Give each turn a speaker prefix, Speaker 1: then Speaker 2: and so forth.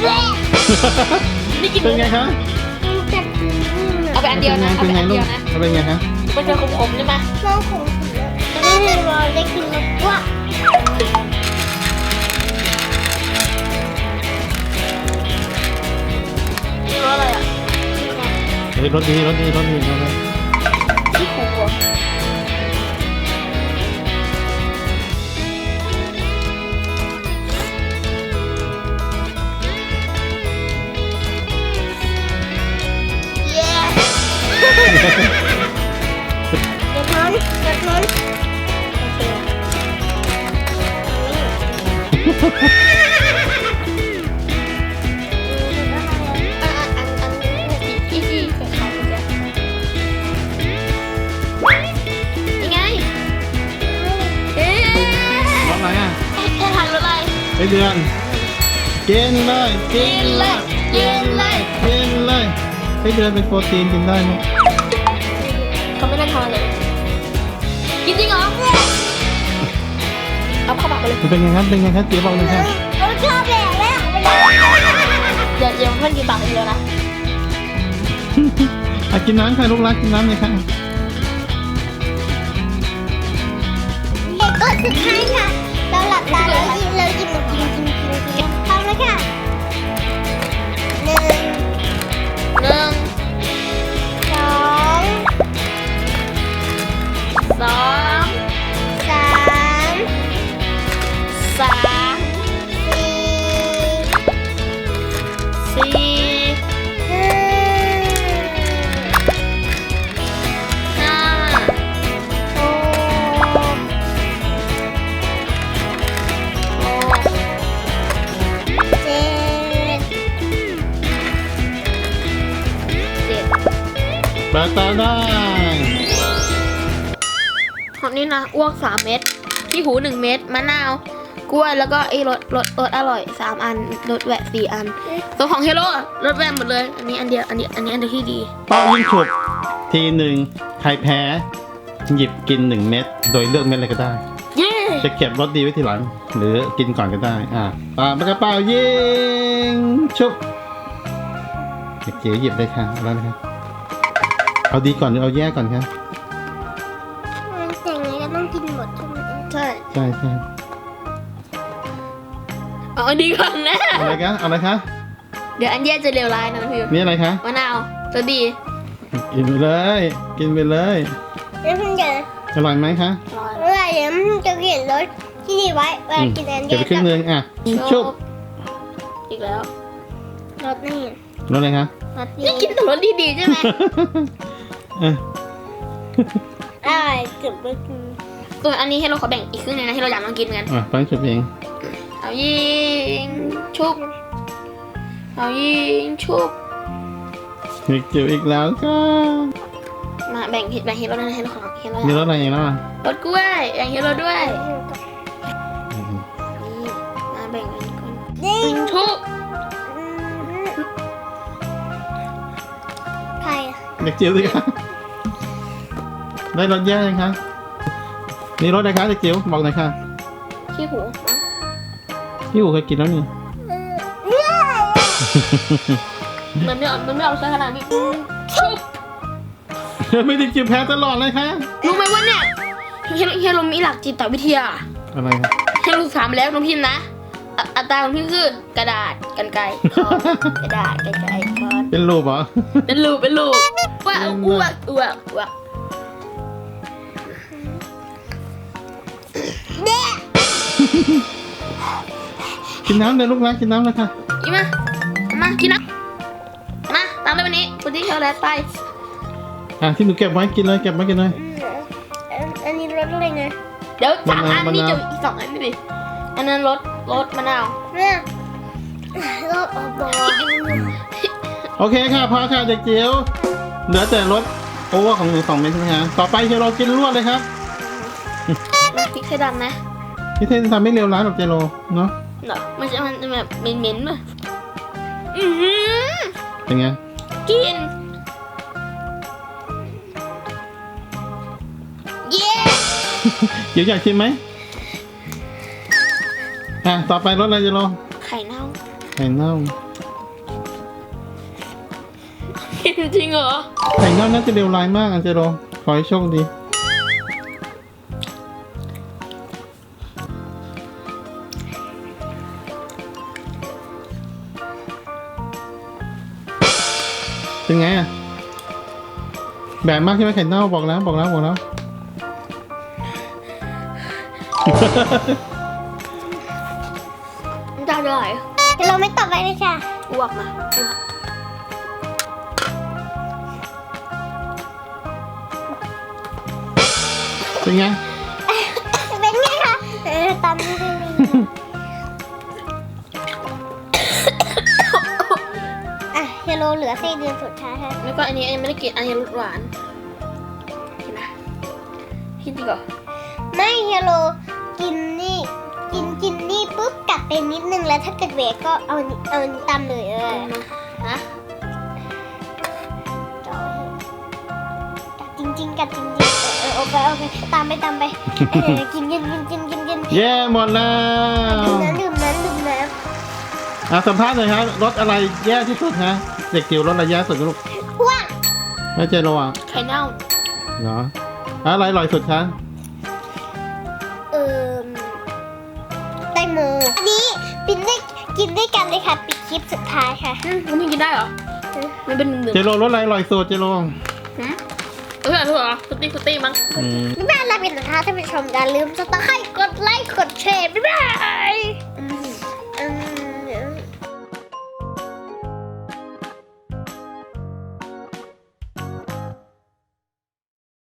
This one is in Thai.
Speaker 1: นี่กิน
Speaker 2: เป็นไงคะ
Speaker 1: เอาไปอันเดียวนะเอา
Speaker 2: เป็น
Speaker 1: ไป
Speaker 2: ไง
Speaker 1: อัน
Speaker 2: ลู
Speaker 1: เดี
Speaker 2: ก
Speaker 1: ยวนะ
Speaker 2: เป็นไงคะ
Speaker 1: มันจะขมๆใช่ไหม
Speaker 3: น้องของผมแล้วไม่รอได้กินแล้วว่า
Speaker 1: นี่รสอะไรอ่ะ
Speaker 2: เฮ้ยรสดีรสดีรสดีรสดี
Speaker 1: ที่ขูอ่ะเย้
Speaker 3: เด็กน้อยเด็กน้อย
Speaker 1: ที่คล้ายๆกันเนี่ยยังไงเอ๊ะ
Speaker 2: รสอะไรอ่ะ
Speaker 1: แค่ทานรสอะไร
Speaker 2: ไอเดือนกินเลย
Speaker 1: กินเลยกินเลย
Speaker 2: กินเลยไอเดือนเป็นโปรตีนกินได้ไหม
Speaker 1: เขาไม่ได้ทานเลยกินจริงเหรอเอาเข้าปากไปเลย
Speaker 2: มันเป็นไงครับเป็นไงครับเจ๊บอกเลยครับ
Speaker 3: เราชอบแหละแล้ว
Speaker 1: เดี๋ยวเพื่อนกินปากคนเดียวนะ
Speaker 2: อ่ะกินน้ำค่ะลูกรักกินน้ำเลยค่ะ
Speaker 3: เด็กก็สุดท้ายค่ะ เราหลับตาแล้วยิ้มเรายิ้มกินพร้อมแล้วค่ะหนึ่ง
Speaker 1: หนึ่ง
Speaker 3: สอง
Speaker 1: สอง
Speaker 3: สาม
Speaker 1: สาม
Speaker 3: สี่
Speaker 1: สี่
Speaker 3: ห้า
Speaker 1: ห้า
Speaker 3: หก
Speaker 1: หก
Speaker 3: เจ็ด
Speaker 1: เจ็ด
Speaker 2: เปิดตาได้
Speaker 1: ของนี่นะอ้วก3 เม็ดขี้หู1 เม็ดมะนาวกล้วยแล้วก็ไอ้รสอร่อย3 อันรสแหวะ4 อันส่วนของเฮโร่รสแหวะหมดเลยอันนี้อันเดียวอันนี้อันเดียวที่ดี
Speaker 2: เป้ายิ่งฉุบทีหนึ่งใครแพ้หยิบกิน1 เม็ดโดยเลือกเม็ดอะไรก็ได้
Speaker 1: เย้
Speaker 2: จะเก็บรสดีไว้ทีหลัง หรือกินก่อนก็ได้ปากกระเป๋ายิงชุบเด็กเก๋หยิบเลยค่ะเอาแล้วนะครับเอาดีก่อนหรือเอาแย่ก่อนครับ
Speaker 3: แต่ไงก็ต้องกินหมดใช่ไหม
Speaker 1: ใช่
Speaker 2: ใช่ใช่
Speaker 1: เอาอันดีก่อนนะ
Speaker 2: เอาอะไรคะเอาอะไรคะ
Speaker 1: เดี๋ยวอันแย่จะเลวร้ายนะพี่
Speaker 2: นี่อะไรคะ
Speaker 1: มะนาวจะดี
Speaker 2: กินไปเลย กินไปเลย
Speaker 3: แล้วมันจะ
Speaker 2: อร่อยไหมคะ
Speaker 1: อร่อย
Speaker 3: เมื่อไหร่มันจะเขียนรถที่นี่ไว้เวลากินอัน
Speaker 2: เก็บ
Speaker 3: เดียว
Speaker 2: ไปครึ่งนึงชุบ
Speaker 1: อีกแล้ว
Speaker 3: รถนี่
Speaker 2: รสอะไรคะ
Speaker 3: รถ
Speaker 1: นี่
Speaker 3: นี่
Speaker 1: กินแต่รสดีๆใช่ไหม
Speaker 2: อ่ะ
Speaker 3: อะไรเกือบไม่กิน
Speaker 1: ส่วนอันนี้ให้เราขอแบ่งอีกครึ่งนึงนะให้เราอยากลองกินเหมือนกัน
Speaker 2: ฟังชุบเอง
Speaker 1: เอายิงชุบเอายิงชุบ
Speaker 2: เด็กจิ๋วอีกแล้วค่ะ
Speaker 1: มาแบ่งให้เราด้วยนะให้เราของให้เรา
Speaker 2: มีรสอะไรอีกแล้วอ่ะ
Speaker 1: รสกล้วยแบ่งให้เราด้วยนี่มาแบ่งกันก่อน
Speaker 3: ยิ
Speaker 1: ยิ
Speaker 3: ง
Speaker 1: งชุบ
Speaker 3: ใครอะ
Speaker 2: เด็กจิ๋วสิคะได้รสแย่ยังคะนี่รสอะไรคะเด็กจิ๋วบอกหน่อยค่ะ
Speaker 1: ขี้หูมั้ง
Speaker 2: พี่อู๋เคยกินแล้วนี่
Speaker 3: เนี่ย
Speaker 1: มันไม่ออกซะขนาดนี้ชุบ
Speaker 2: ไม่ได้จิ๋วแพ้ตลอดเลยค่ะ
Speaker 1: รู้ไหมว่าเนี่ยเฮโรมีหลักจิตวิทยา
Speaker 2: อะไรครับ
Speaker 1: เฮโรถามแล้วน้องพิมพ์นะอัตราของพี่คือกระดาษกรรไกรค้อนกระดาษกรรไกรค้อน
Speaker 2: เป็นรูปเหรอ
Speaker 1: เป็นลูกว่าอ้วก
Speaker 2: กินน้ำเลยลูกรักกินน้ำเลยค่ะ
Speaker 1: อีมากินนะมาตามด้วยวันนี้คุณที่เขาแล้วไป
Speaker 2: ที่หนูเก็บไว้กินเลยเก็บไว้กินเลย
Speaker 3: อันนี้รถอะไรไง
Speaker 1: เดี๋ยว3 อัน
Speaker 2: มะนาว
Speaker 1: นี่จะอีก2 อันนี่ดิอันนั้นรสมะนาว
Speaker 3: เนี่ยรถอบอ
Speaker 2: โอเคค่ะพอค่ะเด็กจิ๋วเหลือแต่รสโอเวอร์ของหนู2 เม็ดใช่ไหมคะต่อไปเจโรกินรวดเลยครับ
Speaker 1: มาพริกไทยดำนะ
Speaker 2: พี่เทนทำไม่เร็วร้านหรอกเจโรเนาะ
Speaker 1: เนาะมันจะแบบเหม็นๆป่ะ
Speaker 2: เป็นไง
Speaker 1: กินเย้
Speaker 2: เดี๋ยวอยากชิมไหมต่อไปรสอะไรเจโร
Speaker 1: ไข่เน่า
Speaker 2: ไข่เน่า
Speaker 1: จริงเหรอ
Speaker 2: ไข่เน่าน่าจะเร็วร้ายมากอันเจโรขอให้โชคดีเป็นไงอ่ะแบบมากใช่ไหมไข่เน่าบอกแล้ว
Speaker 1: มันจะอร่อย
Speaker 3: เดี๋ยวเราไม่ต่อไปเลยค่ะ
Speaker 1: อ้วกมาอ้วก
Speaker 2: เป็นไง
Speaker 3: เป็นไงคะตามนี้เลย อ่ะเฮโลเหลือไส้เดือนสุดท้ายค่ะ
Speaker 1: แล้วก็อันนี้ยังไม่ได้กินอันนี้รสหวานกินนะกินดีกว่า
Speaker 3: ไม่เฮโลกินนี่กินนี่ปุ๊บกัดไปนิดนึงแล้วถ้าเกิดเวกก็เอานี่ตามเลย
Speaker 1: นะ
Speaker 3: กัดจริงๆกัดจริงๆโอเคตามไปกิน
Speaker 2: เย้หมดแล้ว
Speaker 3: ดื่มน้ำ
Speaker 2: อ่ะสัมภาษณ์หน่อยครับรสอะไรแย่ที่สุดฮะเด็กจิ๋วรสอะไรแย่สุดลูก
Speaker 3: พวก
Speaker 2: แล้วเจโรอ่ะ
Speaker 1: ไข่เน่า
Speaker 2: เหรออะไรอร่อยสุดคะ
Speaker 3: แตงโมอันนี้ปินได้กินด้วยกันเลยค่ะปิดคลิปสุดท้ายค่ะ
Speaker 1: มันไม่กินได้เหรอมันเป็นหนึ่ง
Speaker 2: เจโรรสอะไรอร่อยสุดเจโร
Speaker 1: เออถูกเหรอสตี้มั้ง
Speaker 3: บ๊ายบายลาไปนะคะท่านผู้ชมอย่าลืมสไครต์กดไลค์กดแชร์บ๊ายบาย